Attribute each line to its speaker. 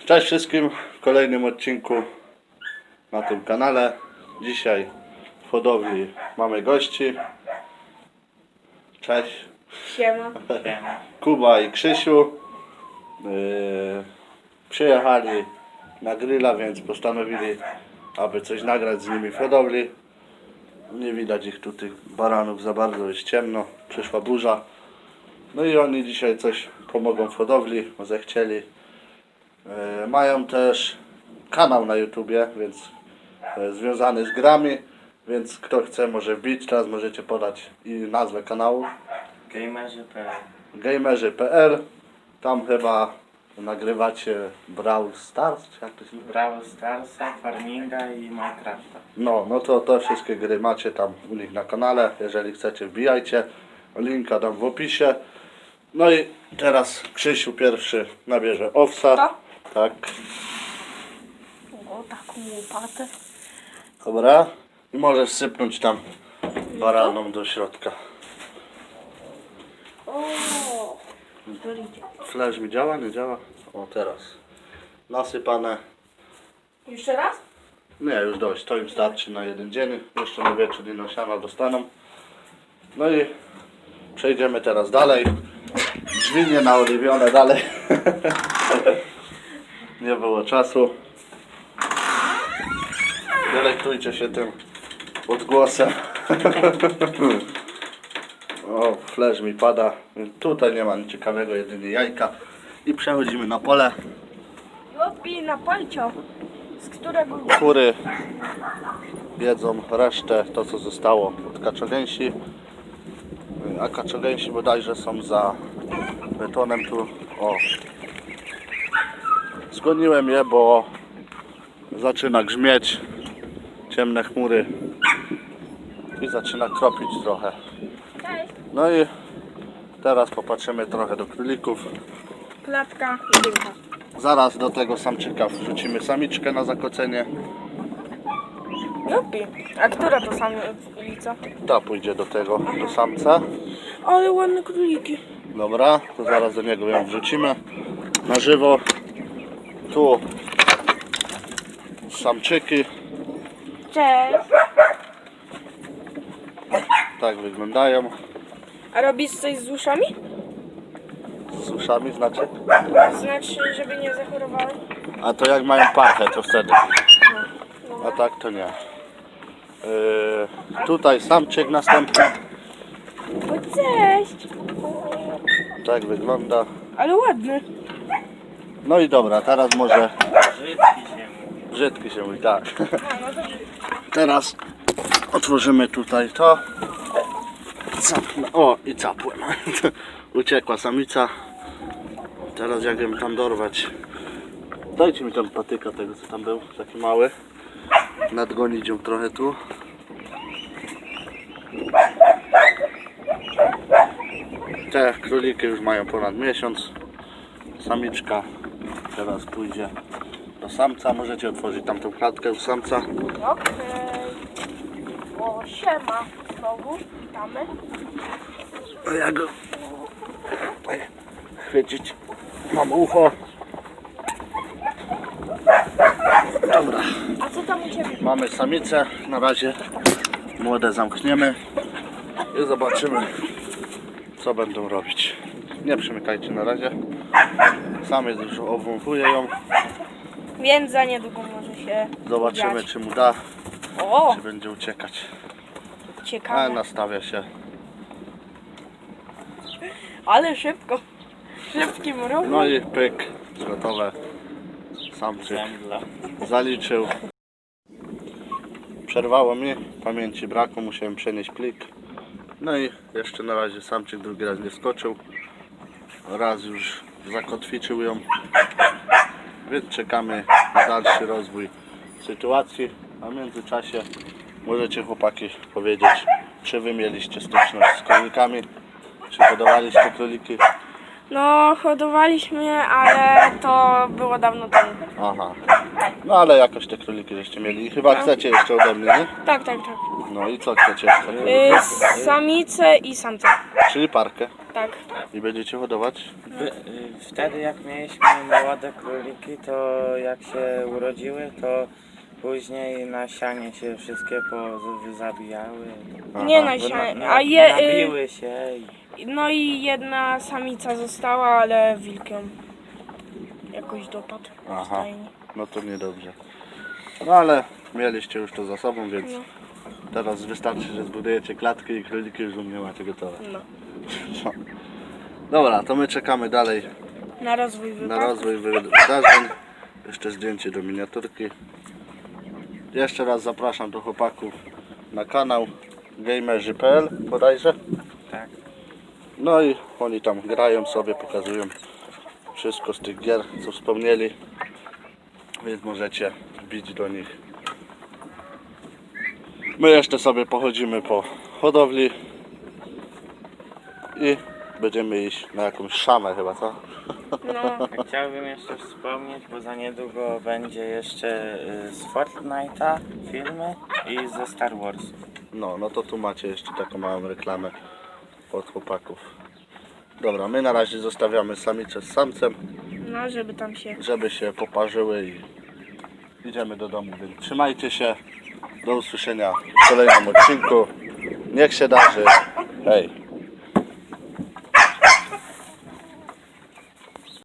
Speaker 1: Cześć wszystkim w kolejnym odcinku na tym kanale. Dzisiaj w hodowli mamy gości. Cześć.
Speaker 2: Siema.
Speaker 1: Kuba i Krzysiu przyjechali na grilla, więc postanowili, aby coś nagrać z nimi w hodowli. Nie widać ich tu, tych baranów za bardzo, jest ciemno, przyszła burza. No i oni dzisiaj coś pomogą w hodowli, bo zechcieli. Mają też kanał na YouTubie, więc związany z grami, więc kto chce może wbić. Teraz możecie podać i nazwę kanału.
Speaker 3: Gamerzy.pl.
Speaker 1: Gamerzy.pl. Tam chyba nagrywacie Brawl Stars, czy jak to się nazywa?
Speaker 3: Brawl Starsa, Farminga i Minecrafta.
Speaker 1: No to te wszystkie gry macie tam u nich na kanale. Jeżeli chcecie, wbijajcie. Linka dam w opisie. No i teraz Krzysiu pierwszy nabierze owsa.
Speaker 2: To?
Speaker 1: Tak.
Speaker 2: O, taką łopatę.
Speaker 1: Dobra. I możesz sypnąć tam baraną do środka.
Speaker 2: O, to idzie.
Speaker 1: Flash mi działa? Nie działa? O, teraz. Nasypane.
Speaker 2: Jeszcze raz?
Speaker 1: Nie, już dość. To im starczy na jeden dzień. Jeszcze na wieczór i siana dostaną. No i przejdziemy teraz dalej. Drzwi nie naoliwione dalej. Nie było czasu. Delektujcie się tym odgłosem. O, flash mi pada. Tutaj nie ma nic ciekawego, jedynie jajka. I przechodzimy na pole.
Speaker 2: Jopi, na palcio. Z którego?
Speaker 1: Kury jedzą resztę, to co zostało od kaczogęsi. A kaczogęsi bodajże są za betonem tu. O. Zgoniłem je, bo zaczyna grzmieć. Ciemne chmury. I zaczyna kropić trochę.
Speaker 2: Cześć.
Speaker 1: No i teraz popatrzymy trochę do królików.
Speaker 2: Klatka i dymka.
Speaker 1: Zaraz do tego samczyka wrzucimy samiczkę na zakocenie.
Speaker 2: Jopi. A która to samica?
Speaker 1: Ta pójdzie do tego, do samca.
Speaker 2: Ale ładne króliki.
Speaker 1: Dobra, to zaraz do niego ją wrzucimy na żywo. Tu samczyki,
Speaker 2: Cześć.
Speaker 1: tak wyglądają.
Speaker 2: A robisz coś z uszami?
Speaker 1: Z uszami znaczy.
Speaker 2: Znaczy, żeby nie zachorowały?
Speaker 1: A to jak mają pachę, to wtedy. A tak to nie. Tutaj samczyk następny.
Speaker 2: O, cześć.
Speaker 1: Tak wygląda.
Speaker 2: Ale ładny.
Speaker 1: No i dobra, teraz może
Speaker 3: Brzydki się mówi.
Speaker 1: brzydki się mówi, tak.
Speaker 2: A, no to
Speaker 1: Teraz otworzymy tutaj to. Capnę. O, i capłem. Uciekła samica. Teraz jak ją tam dorwać. Dajcie mi tam patyka tego co tam był, taki mały. Nadgonić ją trochę tu. Te króliki już mają ponad miesiąc. Samiczka teraz pójdzie do samca. Możecie otworzyć tamtą klatkę u samca.
Speaker 2: okej. O, siema. Znowu witamy.
Speaker 1: A ja go tutaj chwycić. Mam ucho. Dobra,
Speaker 2: A co tam u ciebie?
Speaker 1: mamy samicę. Na razie młode zamkniemy i zobaczymy co będą robić. Nie przymykajcie na razie. Samiec już obwąchuje ją.
Speaker 2: Więc za niedługo może się
Speaker 1: Zobaczymy
Speaker 2: dziać.
Speaker 1: czy mu da,
Speaker 2: O,
Speaker 1: czy będzie uciekać. A
Speaker 2: ciekawe.
Speaker 1: nastawia się.
Speaker 2: Ale szybko. Szybkim ruchem.
Speaker 1: No i pyk, gotowe. Samczyk
Speaker 3: Zemdla.
Speaker 1: zaliczył. Przerwało mi, pamięci brakło, musiałem przenieść plik. No i jeszcze na razie samczyk drugi raz nie skoczył. Raz już zakotwiczył ją. Więc czekamy na dalszy rozwój sytuacji. A w międzyczasie możecie chłopaki powiedzieć, czy wy mieliście styczność z królikami, czy hodowaliście króliki.
Speaker 2: No, hodowaliśmy, ale to było dawno temu.
Speaker 1: Aha. No ale jakoś te króliki żeście mieli. I chyba chcecie jeszcze ode mnie, nie?
Speaker 2: Tak, tak, tak.
Speaker 1: No i co chcecie jeszcze?
Speaker 2: Samice i samce.
Speaker 1: Czyli parkę.
Speaker 2: Tak.
Speaker 1: I będziecie hodować?
Speaker 3: Wtedy jak mieliśmy młode króliki, to jak się urodziły, to później na sianie się wszystkie zabijały.
Speaker 2: Nie
Speaker 1: Aha.
Speaker 2: na
Speaker 3: Bo
Speaker 2: sianie, a je,
Speaker 3: nabiły się
Speaker 2: no i jedna samica została, ale wilk ją jakoś dopadł w
Speaker 1: Aha.
Speaker 2: stajni.
Speaker 1: No to niedobrze. No ale mieliście już to za sobą, więc
Speaker 2: No.
Speaker 1: teraz wystarczy, że zbudujecie klatki i króliki już u mnie macie gotowe.
Speaker 2: No.
Speaker 1: No. Dobra, to my czekamy dalej
Speaker 2: Na rozwój
Speaker 1: na
Speaker 2: wypadku.
Speaker 1: rozwój wydarzeń. Jeszcze zdjęcie do miniaturki. Jeszcze raz zapraszam do chłopaków na kanał gamerzy.pl bodajże.
Speaker 3: tak.
Speaker 1: No i oni tam grają sobie, pokazują wszystko z tych gier, co wspomnieli. Więc możecie wbić do nich. My jeszcze sobie pochodzimy po hodowli i będziemy iść na jakąś szamę chyba, co?
Speaker 2: No.
Speaker 3: Chciałbym jeszcze wspomnieć, bo za niedługo będzie jeszcze z Fortnite'a filmy i ze Star Warsów.
Speaker 1: No to tu macie jeszcze taką małą reklamę od chłopaków. Dobra, my na razie zostawiamy samice z samcem,
Speaker 2: No, żeby tam się...
Speaker 1: żeby się poparzyły i idziemy do domu, więc trzymajcie się. Do usłyszenia w kolejnym odcinku. Niech się darzy. Hej!